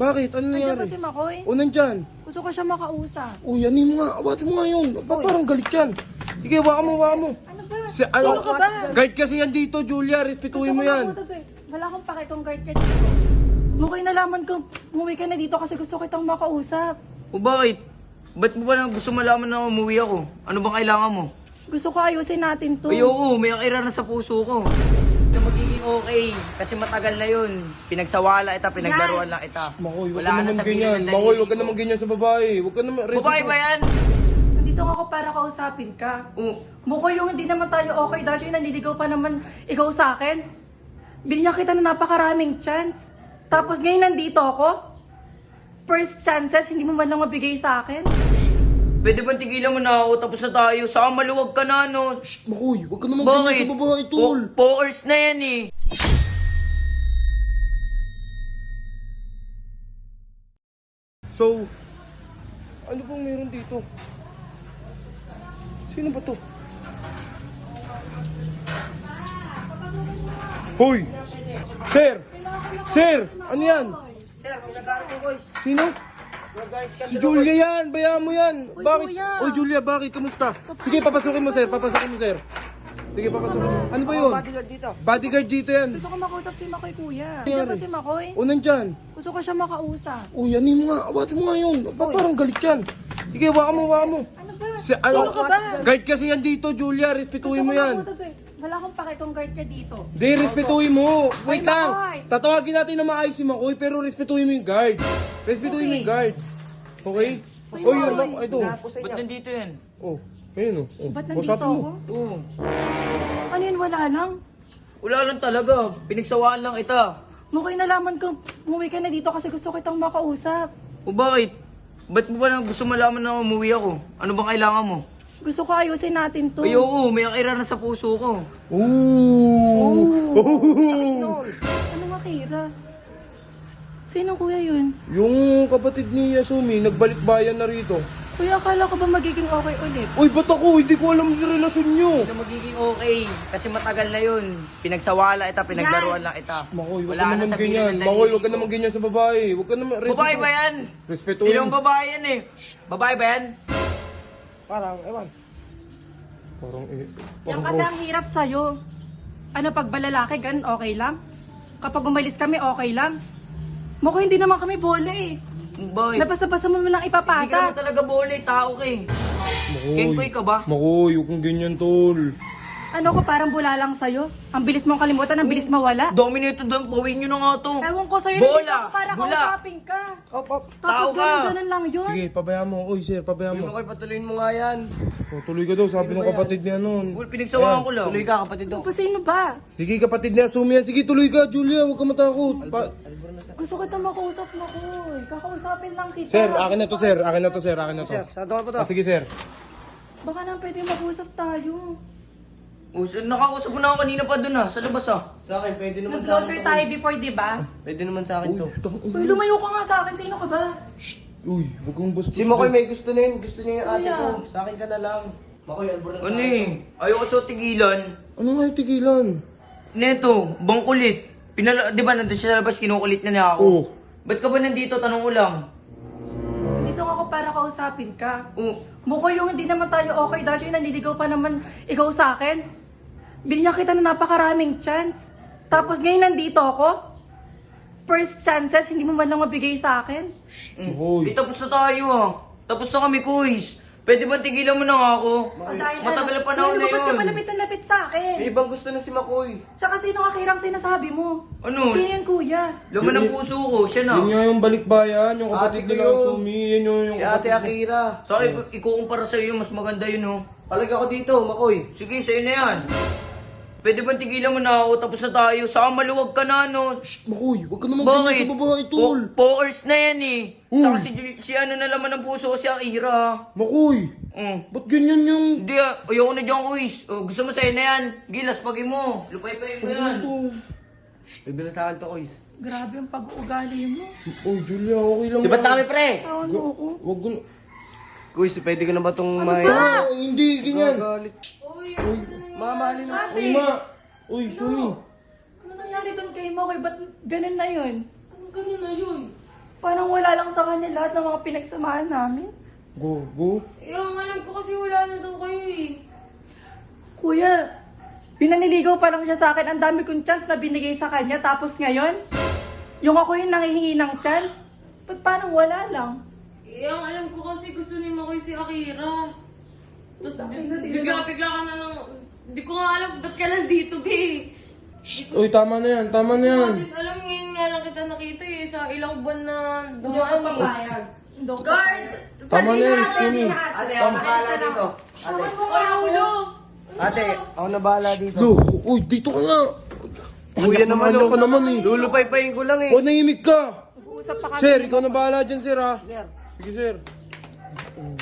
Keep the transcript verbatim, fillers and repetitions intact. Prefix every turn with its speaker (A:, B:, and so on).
A: Bakit? Ano
B: Nandiyan
A: nangyari?
B: ba si Makoy?
A: O, nandyan.
B: Gusto ko siya makausap.
A: O, yanin mo nga. Awatin mo nga yun. Ba, parang galit yan. Sige, waka mo, waka mo.
B: Ano ba?
A: Si, ano,
B: Sino ka ba?
A: guard kasi yan dito, Julia. Respetuhin mo
B: Gusto ko
A: yan.
B: makausap eh. Wala akong pake kung guard ka dito. Makoy, nalaman ko, umuwi ka na dito kasi gusto kitang makausap.
C: O bakit? Ba't mo ba na gusto malaman na umuwi ako? Ano bang kailangan mo?
B: Gusto ko ayusin natin to.
C: Ayoko, may akira na sa puso ko. Na magiging okay, kasi matagal na yun. Pinagsawala kita, pinaglaruan lang kita.
A: Makoy, wag
C: Wala
A: ka
C: na
A: naman
C: sa
A: ganyan.
C: piling ng
A: Makoy,
C: daliri
A: wag ka
C: ko.
A: naman ganyan sa babae. Wag ka naman...
C: Babae ba yan?
B: Nandito ako para kausapin ka.
C: Oo.
B: Makoy, yung hindi naman tayo okay dahil yung nanliligaw pa naman ikaw sa akin. Binigyan kita na napakaraming chance. Tapos ngayon nandito ako. First chances, hindi mo man lang mabigay sa akin.
C: Pwede ba tigilan mo na ako, tapos na tayo? Saka maluwag ka na, no?
A: Makoy, wag ka naman ganyan
C: Bakit?
A: sa babae, tol.
C: Po- Pokers na yan eh.
A: So, ano bang meron dito? Sino ba to? Hoy! Sir! Sir! Ano yan?
C: Sir, pinag-aaral ko, boys.
A: Sino? Si Julia yan! Bayaan mo yan!
B: Uy,
A: Bakit?
B: kuya.
A: Oy, Julia, bakit? Kamusta? Sige, papasukin mo, sir. Papasukin mo, sir. Sige, papasukin mo. Ano ba yun?
C: Bodyguard dito.
A: Bodyguard dito yan.
B: Gusto ko makausap si Makoy, kuya.
A: Nangyari?
B: Nandiyan ba si Makoy?
A: O, nandyan.
B: Gusto ko siya makausap.
A: O, yanin mo nga. Awatin mo nga yun. Ba, parang galit yan. Sige, waka mo, waka mo.
B: Ano ba?
A: Si, ano,
B: Sino ka ba?
A: guard kasi yan dito, Julia. Respetuhin mo
B: Gusto ko
A: yan.
B: makausap eh. Wala akong pake kung guard ka dito.
A: Di, respetuhin mo. Wait
B: Ay,
A: lang.
B: Makoy.
A: Tatawagin natin na maayos si Makoy, pero respetuhin mo yung guard. Respetuhin mo
B: Okay.
A: yung guard. Okay?
B: Ay,
A: Oh, yun.
B: Makoy.
A: Ito.
C: Ba't nandito yan?
A: Oh, ayun oh. Oh,
B: Ba't nandito
A: usapin mo.
B: ako?
C: Oo.
B: Ano yun, wala lang?
C: Wala lang talaga. Pinagsawaan lang kita.
B: Makoy, nalaman ko, umuwi ka na dito kasi gusto kitang makausap.
C: O bakit? Ba't mo ba na gusto malaman na umuwi ako? Ano bang kailangan mo?
B: Gusto ko ayusin natin to.
C: Ayoko, may akira na sa puso ko.
A: Ooh.
B: Oh. Ano makira? Sino kuya yun?
A: Yung kapatid ni Yasumi, nagbalik bayan na rito.
B: Kuya, akala ko ba magiging okay ulit?
A: Uy, ba't ako? Hindi ko alam yung relasyon nyo.
C: Hindi magiging okay, kasi matagal na yun. Pinagsawala kita, pinaglaruan lang kita.
A: Makoy, wag
C: Wala
A: ka
C: na
A: naman
C: sa piling
A: ganyan.
C: ng
A: Makoy,
C: daliri
A: wag ka
C: ko.
A: naman ganyan sa babae. Wag ka naman...
C: Babae ba yan? Hindi
A: Respetuhin
C: naman babae yan eh. Babae ba yan?
A: Parang, ewan. Parang, eh...
B: Yan
A: Parang,
B: kasi ang hirap sa'yo. Ano, pag balalaki, ganun okay lang? Kapag umalis kami, okay lang? Makoy, hindi naman kami bola eh.
C: Bakit?
B: Nabasa-basa mo lang
C: Hindi ka naman
B: ipapata.
C: talaga bole, tao ka eh.
A: Makoy.
C: Kengkoy ka ba?
A: Makoy, huwag kang ganyan, tol.
B: Ano ko, parang bula lang sa'yo. Ang bilis mong kalimutan, ang bilis mawala.
C: Dominate doon, pawin nyo na nga to.
B: Ewan ko sa'yo,
C: Bola,
B: nandito ako para
C: bula.
B: kausapin ka.
A: Op, op.
C: Tao
B: Tapos
C: ka.
B: ganun, ganun lang yun.
A: Sige, pabayaan mo. Uy, sir, pabayaan mo.
C: patuloyin mo nga yan.
A: Oh, tuloy ka daw, sabi ng kapatid niya nun.
C: Well, pinagsawaan ko lang.
A: Tuloy
C: ka, kapatid
B: Ano ba, sino ba?
A: Sige, kapatid niya, Yasumi yan. Sige, tuloy ka, Julia. Huwag ka matakot. Pa-
B: Gusto ko ito makausap mo ko. Kakausapin lang kita.
A: sir, akin na to, sir. Akin na to, sir. Akin na to.
C: saan ka pa
A: Ah, sige, sir.
B: Baka nang pwede mag-usap tayo.
C: Oh, so, nakausap mo na ako kanina pa doon ah, sa labas ah.
D: Sa akin, pwede naman sa
B: Nag-closure tayo before, di ba?
D: Pwede naman sa akin to.
A: tang-
B: Uy, lumayo ka nga sa akin. Sino ka ba?
A: Uy, huwag kang basta.
D: Si Makoy may gusto na yun. Gusto niya yung ate
B: Kuya.
D: ko. Sa akin ka na lang. Makoy, albor na sa
C: Ano
D: akin.
C: eh, ayoko sa tigilan.
A: Ano nga yung tigilan?
C: Neto, bangkulit. Pinala, di ba nandun siya sa labas, kinukulit na niya ako.
A: Oo.
C: Ba't ka ba nandito? Tanong ko lang.
B: Dito ako para kausapin ka.
C: Oh,
B: Mukha yung hindi naman tayo okay dahil yung nanliligaw pa naman ikaw sa akin. Binigyan kita na napakaraming chance. Tapos ngayon nandito ako. First chances, hindi mo man lang mabigay sa akin.
C: mm.
A: Hoy.
C: Eh, tapos na tayo ah. Tapos na kami, kuys. Pwede ba tigilan mo na nga ako?
B: O, dahil
C: Matagal
B: ano?
C: na panahon
B: Uy,
C: na
B: ano ba ba't
C: yun.
B: ka malapit na lapit sa
D: May
B: akin?
D: ibang gusto na si Makoy.
B: Tsaka sino ka kirang sinasabi mo?
C: Ano?
B: Sino yan, kuya?
C: Laman ng puso ko, siya na.
A: Yun nga yung balikbayan, yung kapatid
D: Ate ko
A: nila
D: yun.
A: Yasumi. Yan yung, yung
D: Si Ate
A: kapatid niya.
D: Akira.
C: Sorry, ikukumpara sa'yo, mas maganda yun oh.
D: Palag ako dito, Makoy.
C: Sige, sa'yo na yan. Pwede ba tigilan mo na ako, tapos na tayo. Saka maluwag ka na, no?
A: Makoy, huwag ka naman ganyan
C: Bakit?
A: sa babae, tol.
C: Po- Pokers na yan eh.
A: Uy.
C: Saka si, Ju- si ano na laman ng puso ko, si Akira.
A: Makoy,
C: Mm.
A: ba't ganyan yung...
C: Hindi ah, ayoko na dyan, kuis. Oh, gusto mo sa'yo na yan. Gilas, pagin mo. Lupay-pay mo yan.
A: Ano to?
D: Pwede na sa akin to, Koys.
B: Grabe ang pag-uugali mo.
A: Oh, Julia, okay lang.
D: Si ba't kami, pre?
B: Tawan mo ako.
A: Huwag ko...
D: Kuys, pwede ko na ba itong
B: Ano
D: may...
A: Ah, hindi, ganyan.
D: Gagalit. Mamahalin na.
A: Uy, ma. Uy, Sumi.
B: Ano nangyari doon kay Makoy? Ba't ganun na yun?
E: Ano ganun na yun?
B: Paano isaalang sa kanya lahat ng mga pinagsamahan namin.
A: Go, go.
E: Eh, ang alam ko kasi wala na daw kayo eh.
B: Kuya, pinaniligaw pa lang siya sa akin. Ang dami kong chance na binigay sa kanya. Tapos ngayon, yung ako yung nangihingi ng chance. Ba't parang wala lang?
E: Eh, ang alam ko kasi gusto ni Makoy si Akira. Tapos
B: Bakit na sila-
E: bigla-bigla ka na lang. Hindi ko nga alam ba't ka nandito, be.
A: Uy, tama na yan, tama na yan.
E: Alam, alam ngayon nga lang kita nakita eh. Sa ilang buwan na
B: Hindi ako
E: dumaan eh.
B: papayag. Hindi ako
E: Guard!
B: papayag.
A: Tama na yan,
B: Pwede
A: Skinny.
B: lahat,
D: Ate,
B: pwede
D: ako
B: lahat.
D: na bahala dito. Ate,
E: Ay, ulo!
D: ate, ako na bahala dito.
A: Lo, uy, dito ka nga.
D: Kuya naman,
A: Ano
D: oh.
A: ka naman eh.
D: Lulupay-payin ko lang eh.
A: O, nahimik ka.
B: Nag-uusap pa kami.
A: Sir, ikaw na bahala dyan, sir, ha? Sige, sir.